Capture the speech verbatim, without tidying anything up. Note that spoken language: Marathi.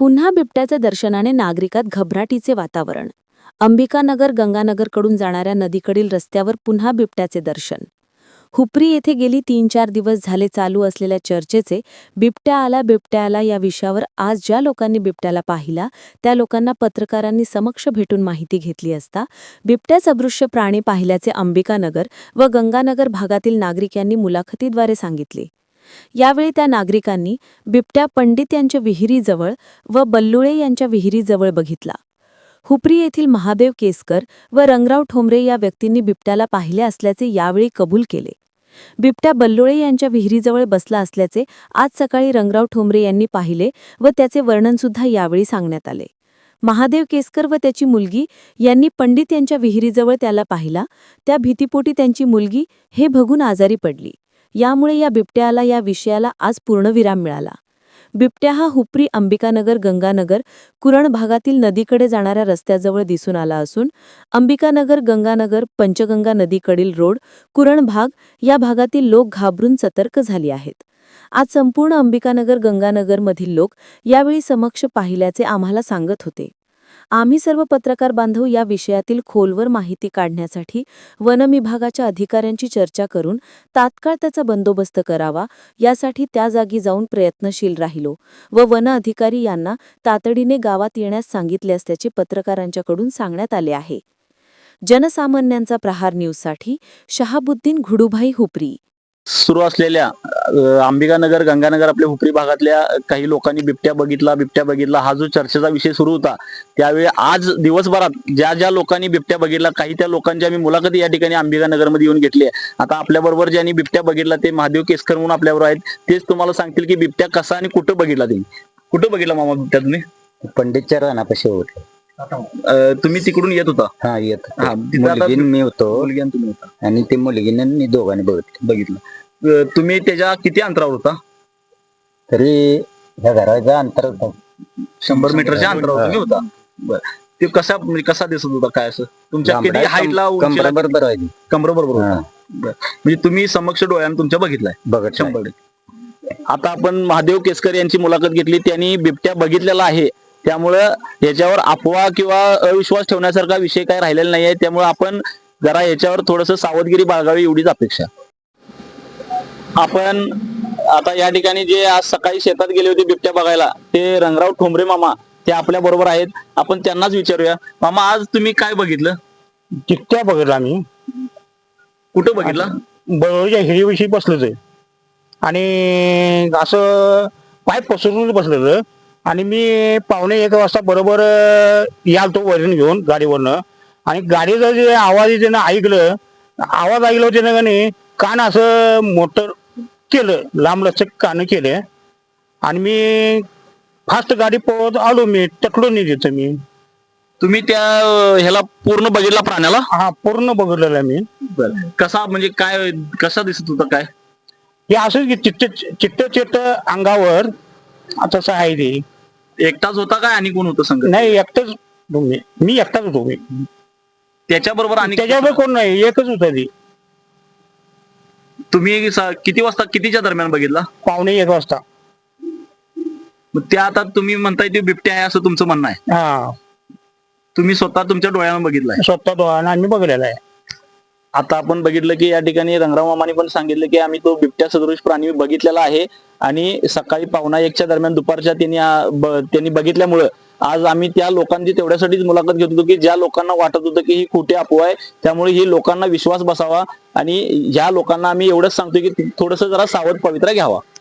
पुन्हा बिबट्याच्या दर्शनाने नागरिकात घबराटीचे वातावरण. अंबिकानगर गंगानगरकडून जाणाऱ्या नदीकडील रस्त्यावर पुन्हा बिबट्याचे दर्शन. हुपरी येथे गेली तीन चार दिवस झाले चालू असलेल्या चर्चेचे बिबट्या आला बिबट्या आला या विषयावर आज ज्या लोकांनी बिबट्याला पाहिला त्या लोकांना पत्रकारांनी समक्ष भेटून माहिती घेतली असता बिबट्या सदृश्य प्राणी पाहिल्याचे अंबिकानगर व गंगानगर भागातील नागरिक यांनी मुलाखतीद्वारे सांगितले. यावेळी त्या नागरिकांनी बिबट्या पंडित यांच्या विहिरीजवळ व बल्लुळे यांच्या विहिरीजवळ बघितला. हुपरी येथील महादेव केसकर व रंगराव ठोंबरे या व्यक्तींनी बिबट्याला पाहिले असल्याचे यावेळी कबूल केले. बिबट्या बल्लुळे यांच्या विहिरीजवळ बसला असल्याचे आज सकाळी रंगराव ठोंबरे यांनी पाहिले व त्याचे वर्णनसुद्धा यावेळी सांगण्यात आले. महादेव केसकर व त्याची मुलगी यांनी पंडित यांच्या विहिरीजवळ त्याला पाहिला. त्या भीतीपोटी त्यांची मुलगी हे बघून आजारी पडली. यामुळे या बिबट्याला या विषयाला आज पूर्णविराम मिळाला. बिबट्या हा हुपरी अंबिकानगर गंगानगर कुरण भागातील नदीकडे जाणाऱ्या रस्त्याजवळ दिसून आला असून अंबिकानगर गंगानगर पंचगंगा नदीकडील रोड कुरण भाग या भागातील लोक घाबरून सतर्क झाली आहेत. आज संपूर्ण अंबिकानगर गंगानगरमधील लोक यावेळी समक्ष पाहिल्याचे आम्हाला सांगत होते. आम्ही सर्व पत्रकार बांधव या विषयातील खोलवर माहिती काढण्यासाठी वन विभागाच्या अधिकाऱ्यांची चर्चा करून तात्काळ त्याचा बंदोबस्त करावा यासाठी त्या जागी जाऊन प्रयत्नशील राहिलो व वन अधिकारी यांना तातडीने गावात येण्यास सांगितले असल्याचे पत्रकारांच्याकडून सांगण्यात आले आहे. जनसामान्यांचा प्रहार न्यूजसाठी शहाबुद्दीन घुडूभाई हुपरी. सुरू असलेल्या अंबिकानगर गंगानगर आपल्या हुपरी भागातल्या काही लोकांनी बिबट्या बघितला बिबट्या बघितला हा जो चर्चेचा विषय सुरू होता त्यावेळी आज दिवसभरात ज्या ज्या लोकांनी बिबट्या बघितला काही त्या लोकांची आम्ही मुलाखती या ठिकाणी अंबिकानगर मध्ये येऊन घेतली आहे. आता आपल्या बरोबर ज्यांनी बिबट्या बघितला ते महादेव केसकर म्हणून आपल्याबरोबर आहेत. तेच तुम्हाला सांगतील की बिबट्या कसा आणि कुठं बघितला तुम्ही. कुठं बघितला मामा बिबट्या तुम्ही? पंडितच्या रानापाशी होतो. तुम्ही तिकडून येत होता? हा येत हा, मुलगीन मी होतो मुलगी आणि तुम्ही होता आणि ते मुलगीने मी दोघांनी बघितलं बघितलं. तुम्ही त्याच्या किती अंतरावर होता? तरी ह्या घराचा अंतर होतं शंभर मीटरच्या अंतरावर तुम्ही होता. बरं, ते कसा म्हणजे कसा दिसत होता काय असं तुमच्या किती हाईटला कमरा बरोबर आहे कमरा बरोबर होता? म्हणजे तुम्ही समक्ष डोळ्यानं तुमच्या बघितलाय बघत शंभर टक्के. आता आपण महादेव केसकर यांची मुलाखत घेतली. त्यांनी बिबट्या बघितलेला आहे त्यामुळं याच्यावर अफवा किंवा अविश्वास ठेवण्यासारखा विषय काय राहिलेला नाहीये. त्यामुळे आपण जरा याच्यावर थोडस सावधगिरी बाळगावी एवढीच अपेक्षा. आपण आता या ठिकाणी जे आज सकाळी शेतात गेले होते बिबट्या बघायला ते रंगराव ठोंबरे मामा ते आपल्या बरोबर आहेत. आपण त्यांनाच विचारूया. मामा आज तुम्ही काय बघितलं? चित्त्या बघितला आम्ही. कुठं बघितला? बरोबरच्या हिरीविषयी बसलोच आहे आणि असं पाय पसरून बसलेलं आणि मी पावणे एक वाजता बरोबर यालतो वरून घेऊन गाडीवरनं आणि गाडीचं जे आवाज त्यानं ऐकलं आवाज ऐकलं त्यानं का नाही कान असं मोटर केलं लांब लचक कान केले आणि मी फास्ट गाडी पळत आलो. मी टकलो नाही तिथं मी. तुम्ही त्या ह्याला पूर्ण बघितला प्राण्याला? हा पूर्ण बघितलेला मी. कसा म्हणजे काय कसा दिसत होता काय? हे असं की चिट्ट चिट्ट चिट्ट अंगावर तसं आहे ते. एकटाच होता काय आणि कोण होतं संग? नाही एकटाच मी मी एकटाच होतो. मी त्याच्या बरोबर आणि त्याच्यावर कोण नाही एकच होता ती. तुम्ही किती वाजता कितीच्या दरम्यान बघितला? पावणे एक वाजता. मग त्या आता तुम्ही म्हणताय ते बिबट्या आहे असं तुमचं म्हणणं आहे? हा तुम्ही स्वतः तुमच्या डोळ्यानं बघितलाय? स्वतः डोळ्यानं आम्ही बघलेला आहे. आता आपण बघितलं की या ठिकाणी रंगराव मामाने पण सांगितलं की आम्ही तो बिबट्या सदृश प्राणी बघितलेला आहे आणि सकाळी पावणा एकच्या दरम्यान दुपारच्या त्यांनी त्यांनी बघितल्यामुळं आज आम्ही त्या लोकांची तेवढ्यासाठीच मुलाखत घेत होतो की ज्या लोकांना वाटत होतं की ही खोटी अफवा आहे त्यामुळे ही लोकांना विश्वास बसावा आणि ह्या लोकांना आम्ही एवढंच सांगतो की थोडंसं जरा सावध पवित्रा घ्यावा.